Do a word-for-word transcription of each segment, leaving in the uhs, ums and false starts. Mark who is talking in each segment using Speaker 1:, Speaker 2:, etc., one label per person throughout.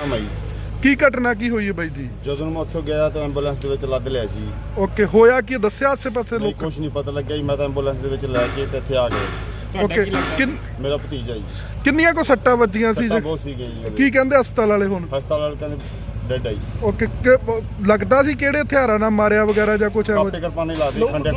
Speaker 1: ਮਈ।
Speaker 2: ਕੀ ਘਟਨਾ ਕੀ ਹੋਈ ਹੈ ਬਾਈ ਜੀ?
Speaker 1: ਜਦੋਂ ਮੈਂ ਉੱਥੋਂ ਗਿਆ ਤਾਂ ਐਂਬੂਲੈਂਸ ਦੇ ਵਿੱਚ ਲੱਦ ਲਿਆ ਸੀ।
Speaker 2: ਓਕੇ, ਹੋਇਆ ਕੀ ਦੱਸਿਆ ਆਸੇ ਪਾਸੇ
Speaker 1: ਨਹੀਂ
Speaker 2: ਲੋਕ?
Speaker 1: ਕੁਝ ਨਹੀਂ ਪਤਾ ਲੱਗਿਆ ਜੀ। ਮੈਂ ਤਾਂ ਐਂਬੂਲੈਂਸ ਦੇ ਵਿੱਚ ਲੈ ਕੇ ਤੇ ਇੱਥੇ ਆ ਗਏ।
Speaker 2: ਓਕੇ,
Speaker 1: ਮੇਰਾ ਭਤੀਜਾ ਜੀ।
Speaker 2: ਕਿੰਨੀਆਂ ਕੋ ਸੱਟਾਂ ਵੱਜੀਆਂ ਸੀ?
Speaker 1: ਸੱਟਾਂ ਬਹੁਤ ਸੀਗੀਆਂ ਜੀ।
Speaker 2: ਕੀ ਕਹਿੰਦੇ ਹਸਪਤਾਲ ਵਾਲੇ ਹੁਣ?
Speaker 1: ਹਸਪਤਾਲ ਵਾਲੇ ਕਹਿੰਦੇ ਡੈਡ ਆਈ।
Speaker 2: ਓਕੇ, ਲੱਗਦਾ ਸੀ ਕਿਹੜੇ ਹਥਿਆਰਾਂ ਨਾਲ ਮਾਰਿਆ ਵਗੈਰਾ ਜਾਂ ਕੁਝ?
Speaker 1: ਕਾਪੇ ਕਿਰਪਾਨੇ ਲਾ ਦੇ ਖੰਡੇ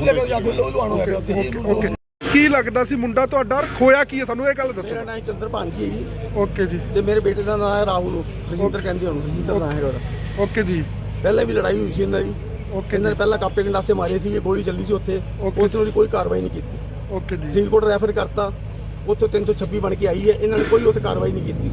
Speaker 1: ਖੁੰਡੇ।
Speaker 2: ਓਕੇ, ਕੀ ਲੱਗਦਾ ਸੀ ਮੁੰਡਾ ਤੁਹਾਡਾ? ਖੋਇਆ ਕੀ ਹੈ ਤੁਹਾਨੂੰ ਇਹ ਗੱਲ ਦੱਸੋ।
Speaker 3: ਮੇਰਾ ਨਾਮ ਚੰਦਰ ਭਾਂਜੀ ਹੈ ਜੀ।
Speaker 2: ਓਕੇ ਜੀ।
Speaker 3: ਤੇ ਮੇਰੇ ਬੇਟੇ ਦਾ ਨਾਮ ਹੈ ਰਾਹੁਲ। ਰਜਿੰਦਰ ਕਹਿੰਦੇ ਉਹਨੂੰ, ਰਜਿੰਦਰ ਨਾਮ ਹੈਗਾ ਉਹਦਾ।
Speaker 2: ਓਕੇ ਜੀ।
Speaker 3: ਪਹਿਲਾਂ ਵੀ ਲੜਾਈ ਹੋਈ ਸੀ ਇਹਨਾਂ ਦੀ।
Speaker 2: ਓਕੇ,
Speaker 3: ਇਹਨਾਂ ਨੇ ਪਹਿਲਾਂ ਕਾਪੇ ਗੰਡਾਸੇ ਮਾਰੇ ਸੀ, ਗੋਲੀ ਚੱਲੀ ਸੀ ਉੱਥੇ। ਉਸ ਨੂੰ ਕੋਈ ਕਾਰਵਾਈ ਨਹੀਂ ਕੀਤੀ।
Speaker 2: ਓਕੇ ਜੀ।
Speaker 3: ਫਰੀਦਕੋਟ ਰੈਫਰ ਕਰਤਾ, ਉੱਥੋਂ ਤਿੰਨ ਸੌ ਛੱਬੀ ਬਣ ਕੇ ਆਈ ਹੈ। ਇਹਨਾਂ ਨੇ ਕੋਈ ਉੱਥੇ ਕਾਰਵਾਈ ਨਹੀਂ ਕੀਤੀ।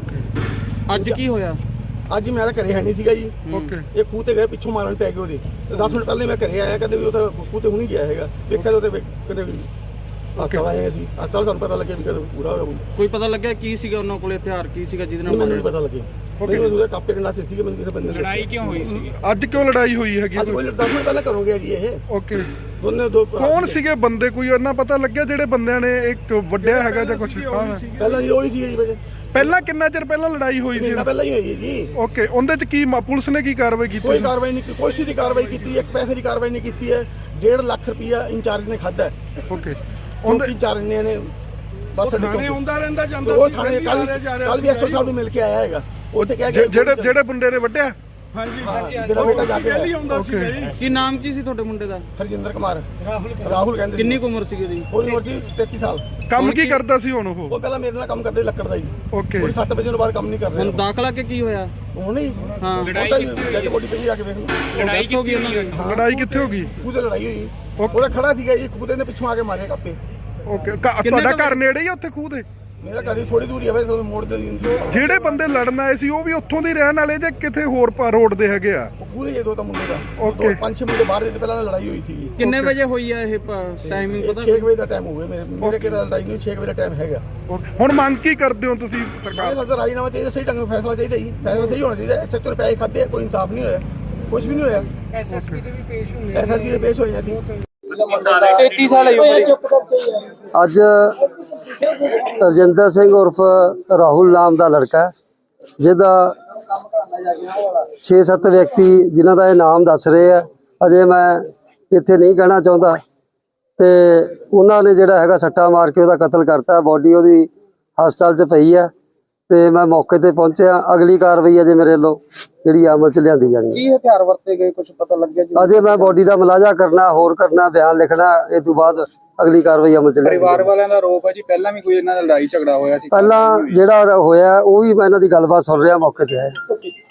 Speaker 2: ਓਕੇ,
Speaker 4: ਅੱਜ ਕੀ ਹੋਇਆ?
Speaker 3: ਅੱਜ ਮੈਂ ਘਰੇ ਹੈ ਨਹੀਂ ਸੀਗਾ ਜੀ।
Speaker 2: ਓਕੇ,
Speaker 3: ਇਹ ਖੂਹ ਤੇ ਗਏ, ਪਿੱਛੋਂ ਮਾਰਨ ਪੈ ਗਏ ਉਹਦੇ। ਤੇ ਦਸ ਮਿੰਟ ਪਹਿਲੇ ਮੈਂ ਘਰੇ ਆਇਆ, ਕਹਿੰਦੇ ਵੀ ਉਹ ਤਾਂ ਖੂਹ ਤੇ ਹੁਣੀ ਗਿਆ ਹੈਗਾ। ਵੇਖਿਆ ਤਾਂ ਉਹਦੇ ਕਹਿੰਦੇ ਵੀ ਹਸਪਤਾਲ ਆਏ ਸੀ। ਹਸਪਤਾਲ ਸਾਨੂੰ ਪਤਾ ਲੱਗਿਆ ਵੀ ਕਦੋਂ ਪੂਰਾ ਹੋਇਆ।
Speaker 4: ਕੋਈ ਪਤਾ ਲੱਗਿਆ ਕੀ ਸੀਗਾ ਉਹਨਾਂ ਕੋਲੇ, ਹਥਿਆਰ ਕੀ ਸੀਗਾ ਜਿਹਦੇ ਨਾਲ?
Speaker 3: ਮੈਨੂੰ ਨਹੀਂ ਪਤਾ ਲੱਗਿਆ। ਮੈਨੂੰ ਉਹਦੇ ਕਾਪੇ ਗੰਡਾਸੇ ਸੀਗੇ। ਮੈਨੂੰ ਕਿਸੇ ਬੰਦੇ ਨੇ
Speaker 4: ਲੜਾਈ ਕਿਉਂ ਹੋਈ ਸੀ?
Speaker 2: ਅੱਜ ਕਿਉਂ ਲੜਾਈ ਹੋਈ ਹੈਗੀ?
Speaker 3: ਅੱਜ ਕੋਈ ਦਸ ਮਿੰਟ ਪਹਿਲਾਂ ਘਰੋਂ ਗਿਆ ਜੀ ਇਹ।
Speaker 2: ਓਕੇ,
Speaker 3: ਦੋਨੇ ਦੋ
Speaker 2: ਕੌਣ ਸੀਗੇ ਬੰਦੇ? ਕੋਈ ਇਹਨਾਂ ਪਤਾ ਲੱਗਿਆ ਜਿਹੜੇ ਬੰਦਿਆਂ ਨੇ ਇੱਕ ਵੱਡਿਆ ਹੈਗਾ ਜਾਂ ਕੁਝ?
Speaker 3: ਪਹਿਲਾਂ ਜੀ ਉਹੀ ਸੀ ਜੀ ਵਜੇ।
Speaker 2: ਪਹਿਲਾਂ ਕਿੰਨਾ ਚਿਰ ਪਹਿਲਾਂ ਲੜਾਈ ਹੋਈ ਸੀ?
Speaker 3: ਮਹੀਨਾ ਪਹਿਲਾਂ ਹੀ ਹੋਈ ਹੈ ਜੀ।
Speaker 2: ਓਕੇ, ਉਹਦੇ ਚ ਕੀ ਮ- ਪੁਲਿਸ ਨੇ ਕੀ ਕਾਰਵਾਈ ਕੀਤੀ?
Speaker 3: ਕੋਈ ਕਾਰਵਾਈ ਨਹੀਂ, ਕੋਈ ਦੀ ਕਾਰਵਾਈ ਕੀਤੀ, ਇੱਕ ਪੈਸੇ ਦੀ ਕਾਰਵਾਈ ਨਹੀਂ ਕੀਤੀ ਹੈ। ਡੇਢ ਲੱਖ ਰੁਪਇਆ ਇੰਚਾਰਜ ਨੇ ਖਾਦਾ।
Speaker 2: ਓਕੇ,
Speaker 3: ਉਹਦੇ ਇੰਚਾਰਜ ਨੇ ਨੇ ਬਸ
Speaker 2: ਥਾਣੇ ਆਉਂਦਾ ਰਹਿੰਦਾ ਜਾਂਦਾ
Speaker 3: ਉਹ ਥਾਣੇ ਕੱਲ ਕੱਲ ਵੀ ਐਸਓ ਸਾਹਿਬ ਨੂੰ ਮਿਲ ਕੇ ਆਇਆ ਹੈਗਾ। ਉੱਥੇ ਕਹਿ ਗਿਆ
Speaker 2: ਜਿਹੜੇ ਜਿਹੜੇ ਬੰਦੇ ਨੇ ਵੱਡਿਆ?
Speaker 3: ਹਾਂਜੀ, ਮੇਰਾ ਬੇਟਾ ਜਾ ਕੇ ਆਇਆ।
Speaker 2: ਓਕੇ,
Speaker 4: ਕੀ ਨਾਮ ਕੀ ਸੀ ਤੁਹਾਡੇ ਮੁੰਡੇ ਦਾ?
Speaker 3: ਹਰਜਿੰਦਰ ਕੁਮਾਰ। ਰਾਹੁਲ ਰਾਹੁਲ ਕਹਿੰਦੇ।
Speaker 4: ਕਿੰਨੀ ਕੁ ਉਮਰ ਸੀਗੀ ਉਹਦੀ?
Speaker 3: ਕੋਈ ਉਮਰ ਸੀ ਤੇਤੀ ਸਾਲ।
Speaker 2: ਕੰਮ ਕੀ ਕਰਦਾ ਸੀ ਹੁਣ ਉਹ?
Speaker 3: ਉਹ ਪਹਿਲਾਂ ਮੇਰੇ ਨਾਲ ਕੰਮ ਕਰਦੇ ਲੱਕੜ ਦਾ ਜੀ।
Speaker 2: ਓਕੇ,
Speaker 3: ਕੋਈ ਸੱਤ ਵਜੇ ਤੋਂ ਬਾਅਦ ਕੰਮ ਨਹੀਂ ਕਰ
Speaker 4: ਹੁਣ
Speaker 3: ਰਿਹਾ।
Speaker 4: ਦਾਖਲਾ ਕੇ ਕੀ ਹੋਇਆ?
Speaker 3: ਹੁਣ ਹੀ
Speaker 4: ਹਾਂ,
Speaker 3: ਲੜਾਈ ਡੈਡ ਬੋਡੀ ਪਈ ਆ ਕੇ ਵੇਖ ਲਓ।
Speaker 4: ਲੜਾਈ ਹੋ ਗਈ ਉਹਨਾਂ ਦੀ?
Speaker 2: ਲੜਾਈ ਕਿੱਥੇ ਹੋ ਗਈ?
Speaker 3: ਖੂਹ ਤੇ ਲੜਾਈ ਹੋਈ। ਉਹਦਾ ਖੜਾ ਸੀਗਾ ਜੀ, ਖੂਹ ਦੇ ਨੇ ਪਿੱਛੋਂ ਆ ਕੇ ਮਾਰੇ ਕਾਪੇ।
Speaker 2: ਓਕੇ, ਤੁਹਾਡਾ ਘਰ ਨੇੜੇ ਹੀ ਆ ਉੱਥੇ ਖੂਹ ਦੇ?
Speaker 3: ਮੇਰਾ ਘਰ ਹੀ ਥੋੜੀ ਦੂਰੀ ਆ ਵੈਸੇ ਤੁਹਾਨੂੰ ਮੋੜ ਦੇ ਦਿੰਦੀ।
Speaker 2: ਜਿਹੜੇ ਬੰਦੇ ਲੜਨ ਆਏ ਸੀ ਉਹ ਵੀ ਉੱਥੋਂ ਦੇ ਰਹਿਣ ਵਾਲੇ ਜਾਂ ਕਿਤੇ ਹੋਰ ਰੋਡ ਦੇ ਹੈਗੇ ਆ?
Speaker 3: ਉਹ ਖੂਹ ਦੇ ਦੋ ਤਾਂ ਮੁੰਡੇ ਦਾ।
Speaker 2: ਓਕੇ।
Speaker 3: ਦੋ ਪੰਜ ਛੇ ਮੁੰਡੇ ਬਾਹਰ ਦੇ ਪਹਿਲਾਂ ਲੜਾਈ ਹੋਈ ਸੀ।
Speaker 4: ਕਿੰਨੇ ਵਜੇ ਹੋਈ ਆ ਇਹ ਟਾਈਮਿੰਗ ਪਤਾ?
Speaker 3: ਛੇ ਵਜੇ ਦਾ ਟਾਈਮ ਹੋਵੇ ਮੇਰੇ ਮੇਰੇ ਕਿਹੜਾ ਲੜਾਈ ਨਹੀਂ। ਛੇ ਵਜੇ ਦਾ ਟਾਈਮ ਹੈਗਾ।
Speaker 2: ਹੁਣ ਮੰਗ ਕੀ ਕਰਦੇ ਹੋ ਤੁਸੀਂ ਸਰਕਾਰ?
Speaker 3: ਇਹ ਤਾਂ ਰਾਜੀਨਾਮਾ ਚਾਹੀਦਾ, ਸਹੀ ਢੰਗ ਨਾਲ ਫੈਸਲਾ ਚਾਹੀਦਾ ਜੀ। ਫੈਸਲਾ ਸਹੀ ਹੋਣਾ ਚਾਹੀਦਾ। ਸੱਚੇ ਤੋਂ ਪੈਸੇ ਖਾਦੇ, ਕੋਈ ਇਨਸਾਫ ਨਹੀਂ ਹੋਇਆ, ਕੁਝ ਵੀ ਨਹੀਂ ਹੋਇਆ। ਐਸਐਸਪੀ ਦੇ ਵੀ ਪੇਸ਼ ਹੋਏ ਐਸਐਸਪੀ ਦੇ ਪੇਸ਼ ਹੋਏ ਜਾਂਦੀ।
Speaker 4: ਤੇਤੀ ਸਾਲ ਹੀ ਉਮਰ।
Speaker 5: ਅੱਜ ਰਜਿੰਦਰ ਸਿੰਘ ਉਰਫ ਰਾਹੁਲ ਨਾਮ ਦਾ ਲੜਕਾ ਜਿਹਦਾ ਛੇ ਸੱਤ ਵਿਅਕਤੀ ਜਿਨ੍ਹਾਂ ਦਾ ਇਹ ਨਾਮ ਦੱਸ ਰਹੇ ਆ, ਅਜੇ ਮੈਂ ਇੱਥੇ ਨਹੀਂ ਕਹਿਣਾ ਚਾਹੁੰਦਾ, ਤੇ ਉਹਨਾਂ ਨੇ ਜਿਹੜਾ ਹੈਗਾ ਸੱਟਾ ਮਾਰ ਕੇ ਉਹਦਾ ਕਤਲ ਕਰਤਾ। ਬੋਡੀ ਉਹਦੀ ਹਸਪਤਾਲ 'ਚ ਪਈ ਆ ਤੇ ਮੈਂ ਮੌਕੇ ਤੇ ਪਹੁੰਚਿਆ। ਅਗਲੀ ਕਾਰਵਾਈ ਅਜੇ ਮੇਰੇ ਵੱਲੋਂ ਜਿਹੜੀ ਅਮਲ 'ਚ ਲਿਆਂਦੀ ਜਾਣੀ।
Speaker 4: ਕੀ ਹਥਿਆਰ ਵਰਤੇ ਗਏ ਕੁਝ ਪਤਾ ਲੱਗਿਆ ਜੀ?
Speaker 5: ਅਜੇ ਮੈਂ ਬੋਡੀ ਦਾ ਮੁਲਾਜ਼ਾ ਕਰਨਾ, ਹੋਰ ਕਰਨਾ, ਬਿਆਨ ਲਿਖਣਾ। ਇਹ ਤੋਂ ਬਾਅਦ ਅਗਲੀ ਕਾਰਵਾਈ ਅਮਲ 'ਚ ਲਿਆਂਦੀ।
Speaker 6: ਪਰਿਵਾਰ ਵਾਲਿਆਂ ਦਾ ਆਰੋਪ ਹੈ ਜੀ ਪਹਿਲਾਂ ਵੀ ਕੋਈ ਇਹਨਾਂ ਨਾਲ ਲੜਾਈ ਝਗੜਾ ਹੋਇਆ ਸੀ।
Speaker 5: ਪਹਿਲਾਂ ਜਿਹੜਾ ਹੋਇਆ ਉਹ ਵੀ ਮੈਂ ਇਹਨਾਂ ਦੀ ਗੱਲਬਾਤ ਸੁਣ ਰਿਹਾ, ਮੌਕੇ ਤੇ ਆਇਆ।